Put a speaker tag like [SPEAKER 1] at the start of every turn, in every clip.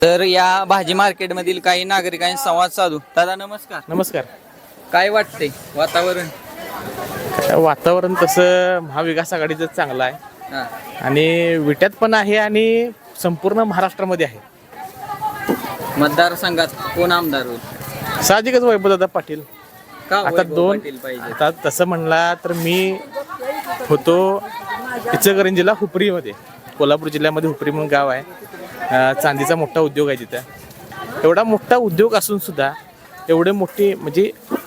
[SPEAKER 1] तर या भाजी मार्केटमधील काही नागरिकांशी संवाद साधू. दादा नमस्कार.
[SPEAKER 2] नमस्कार.
[SPEAKER 1] काय वाटते वातावरण?
[SPEAKER 2] वातावरण तसं महाविकास आघाडीचं चांगलं आहे
[SPEAKER 1] हा.
[SPEAKER 2] आणि विट्यात पण आहे आणि संपूर्ण महाराष्ट्रामध्ये आहे.
[SPEAKER 1] मतदारसंघात कोण आमदार होईल?
[SPEAKER 2] साहजिकच वैभवदादा पाटील.
[SPEAKER 1] का
[SPEAKER 2] आता
[SPEAKER 1] वैभव
[SPEAKER 2] दोन
[SPEAKER 1] पाटील पाहिजे?
[SPEAKER 2] आता तसं म्हणला तर मी होतो इचलकरंजीला हुपरीमध्ये, कोल्हापूर जिल्ह्यामध्ये हुपरी म्हणून गाव आहे. चांदीचा मोठा उद्योग आहे तिथं. एवढा मोठा उद्योग असून सुद्धा एवढे मोठी म्हणजे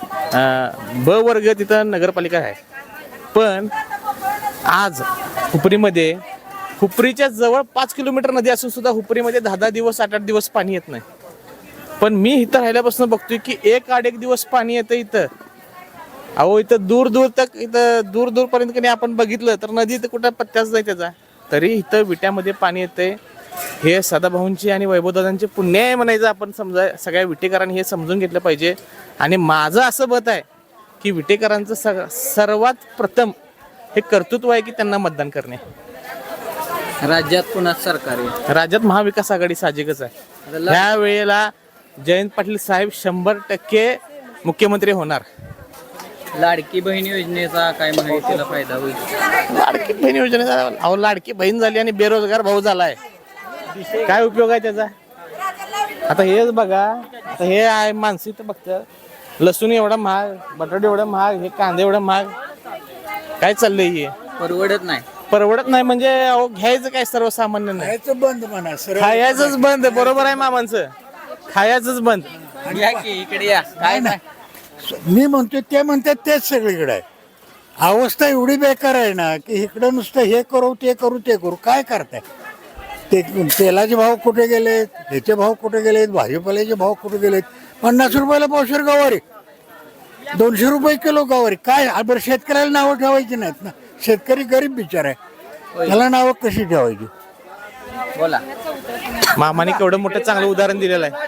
[SPEAKER 2] ब वर्ग तिथं नगरपालिका आहे. पण आज हुपरीमध्ये हुपरीच्या जवळ 5 किलोमीटर नदी असून सुद्धा हुपरीमध्ये 10-10 दिवस 8-8 दिवस पाणी येत नाही. पण मी इथं राहिल्यापासून बघतोय की 1-8 दिवस पाणी येतं इथं. अहो इथं दूर दूर पर्यंत आपण बघितलं तर नदी तर कुठं पत्त्याच नाही त्याचा. तरी इथं विट्यामध्ये पाणी येतंय. हे सदाभाऊंची आणि वैभवदादांचे पुण्य आहे म्हणायचं. आपण समजा सगळ्या विटेकरांनी हे समजून घेतलं पाहिजे. आणि माझं असं मत आहे की विटेकरांचं सर्वात प्रथम हे कर्तृत्व आहे की त्यांना मतदान करणे.
[SPEAKER 1] राज्यात पुन्हा सरकार आहे.
[SPEAKER 2] राज्यात महाविकास आघाडी साहजिकच आहे. ह्या वेळेला जयंत पाटील साहेब 100% मुख्यमंत्री होणार.
[SPEAKER 1] लाडकी बहीण योजनेचा काय माहितीला फायदा होईल?
[SPEAKER 2] लाडकी बहीण योजनेचा अहो लाडकी बहीण झाली आणि बेरोजगार भाऊ झालाय. काय उपयोग आहे त्याचा? आता हेच बघा, आता हे आहे माणसं इथं बघतं, लसूण एवढा महाग, बटाटे एवढा महाग, हे कांदे एवढा महाग, काय चाललंय हे? परवडत नाही म्हणजे अहो घ्यायचं काय सर्वसामान्य नाही.
[SPEAKER 3] खायचं बंद म्हणा सर.
[SPEAKER 2] खायचंच बंद. बरोबर आहे मामांचं, खायचंच बंद.
[SPEAKER 1] या की इकडे या. काय नाही
[SPEAKER 3] मी म्हणतो ते म्हणतात तेच सगळीकडे आहे. अवस्था एवढी बेकार आहे ना की इकडं नुसतं हे करू ते करू काय करताय? ते तेलाचे भाव कुठे गेलेत, ह्याचे भाव कुठे गेलेत, भाजीपाल्याचे भाव कुठे गेलेत. 50 रुपयाला पावशेर गवारी, 200 रुपये किलो गवारी. काय बरं शेतकऱ्याला नावं ठेवायची नाहीत ना. शेतकरी गरीब बिचार आहे, त्याला नावं कशी ठेवायची?
[SPEAKER 1] बोला.
[SPEAKER 2] मामाने केवढं मोठं चांगलं उदाहरण दिलेलं आहे.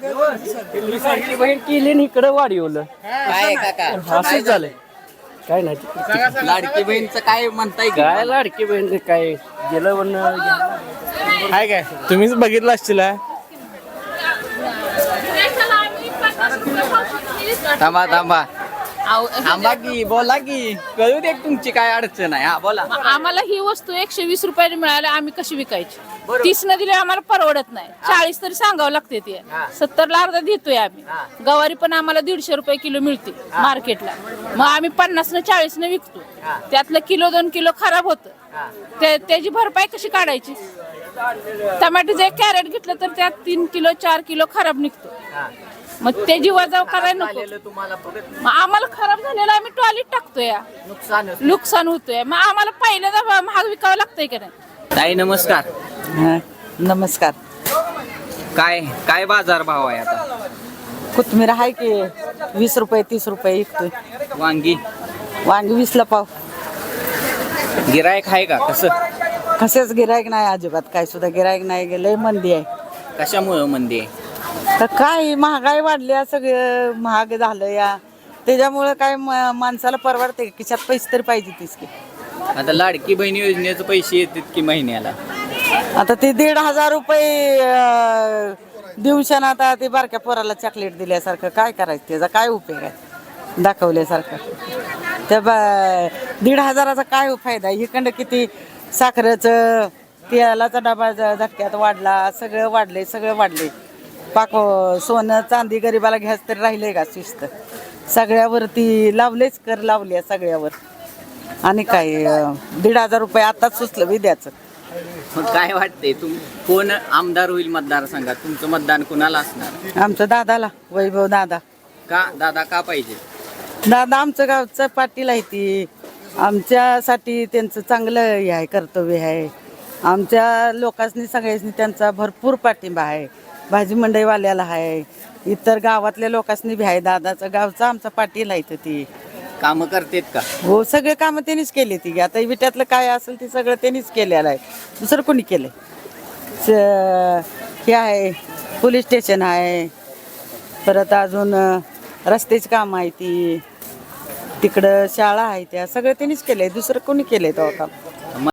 [SPEAKER 4] बहीण केली इकडे वाढवलं.
[SPEAKER 1] काय काका
[SPEAKER 4] असंच झालंय. काय नाही
[SPEAKER 1] लाडकी बहीणचं काय म्हणताय?
[SPEAKER 4] काय लाडकी बहीण काय गेलं म्हणून
[SPEAKER 2] काय तुम्हीच बघितलं असतील.
[SPEAKER 1] थांबा थांबा की बोला की कळू दे तुमची काय अडचण आहे. हा बोला.
[SPEAKER 5] आम्हाला ही वस्तू 120 रुपयाने मिळाली, आम्ही कशी विकायची? 30 न दिले आम्हाला परवडत नाही. 40 तरी सांगावं लागते. ते 70 अर्धा देतोय आम्ही. गवारी पण आम्हाला 150 रुपये किलो मिळते मार्केटला. मग आम्ही 50 न 40 न विकतो. त्यातलं किलो 2 किलो खराब होतं. त्याची भरपाई कशी काढायची? टमाटोचं 1 कॅरेट घेतलं तर त्यात 3 किलो 4 किलो खराब निघतो. मग त्याची वजाव करायला नको. मग आम्हाला खराब झालेला आम्ही टॉयलेट टाकतोय, नुकसान होतोय. मग आम्हाला पहिल्यांदा महाग विकावं लागतंय का नाही?
[SPEAKER 1] ताई नमस्कार.
[SPEAKER 6] नमस्कार.
[SPEAKER 1] काय बाजार भाव आहे आता?
[SPEAKER 6] कोथमीर आहे की 20 रुपये 30 रुपये विकतोय.
[SPEAKER 1] वांगी
[SPEAKER 6] वांगी 20ला पाव.
[SPEAKER 1] गिरायक आहे का?
[SPEAKER 6] कसेच गिरायक नाही अजिबात. काय सुद्धा गिरायक नाही. लय मंदी आहे.
[SPEAKER 1] कशामुळे मंदी आहे?
[SPEAKER 6] तर काय महागाई वाढली, सगळं महाग झालं या. त्याच्यामुळे काय माणसाला परवडते? खिशात पैसे तरी पाहिजे तीच की.
[SPEAKER 1] आता लाडकी बहीण योजनेचे पैसे येतात की महिन्याला?
[SPEAKER 6] आता ते 1,500 रुपये दिवसानं आता ते बारक्या पोराला चॉकलेट दिल्यासारखं काय करायचं? त्याचा काय उपयोग आहे दाखवल्यासारखं? त्या 1,500चा काय फायदा? इकडं किती साखरेचं तेलाचा डबा झटक्यात वाढला, सगळं वाढले. पाक सोनं चांदी गरिबाला घ्यायचं तरी राहिले का शिस्त? सगळ्यावरती लावलेच कर लावले सगळ्यावर. आणि काय 1,500 रुपये आताच सुचलं विद्याचं.
[SPEAKER 1] मग काय वाटतंय कोण आमदार होईल मतदारसंघात? तुमचं मतदान कुणाला असणार?
[SPEAKER 6] आमचं दादाला, वैभव दादा.
[SPEAKER 1] का दादा का पाहिजे?
[SPEAKER 6] दादा आमचं गावचं पाटील आहे. ती आमच्यासाठी त्यांचं चांगलं हे आहे, कर्तव्य आहे. आमच्या लोकांनी सगळ्यांनी त्यांचा भरपूर पाठिंबा आहे. भाजी मंडईवाल्याला आहे, इतर गावातल्या लोकांनी बी आहे. दादाचं गावचा आमचा पाटील आहे. ती
[SPEAKER 1] कामं करतेत का?
[SPEAKER 6] हो, सगळे कामं त्यांनीच केली. ती आता विट्यातलं काय असेल ते सगळं त्यांनीच केलेलं आहे. दुसरं कोणी केलं? हे आहे पोलीस स्टेशन आहे, परत अजून रस्त्याची कामं आहे, ती तिकडं शाळा आहे, त्या सगळं त्यांनीच केलंय. दुसरं कोणी केलंय तेव्हा काम?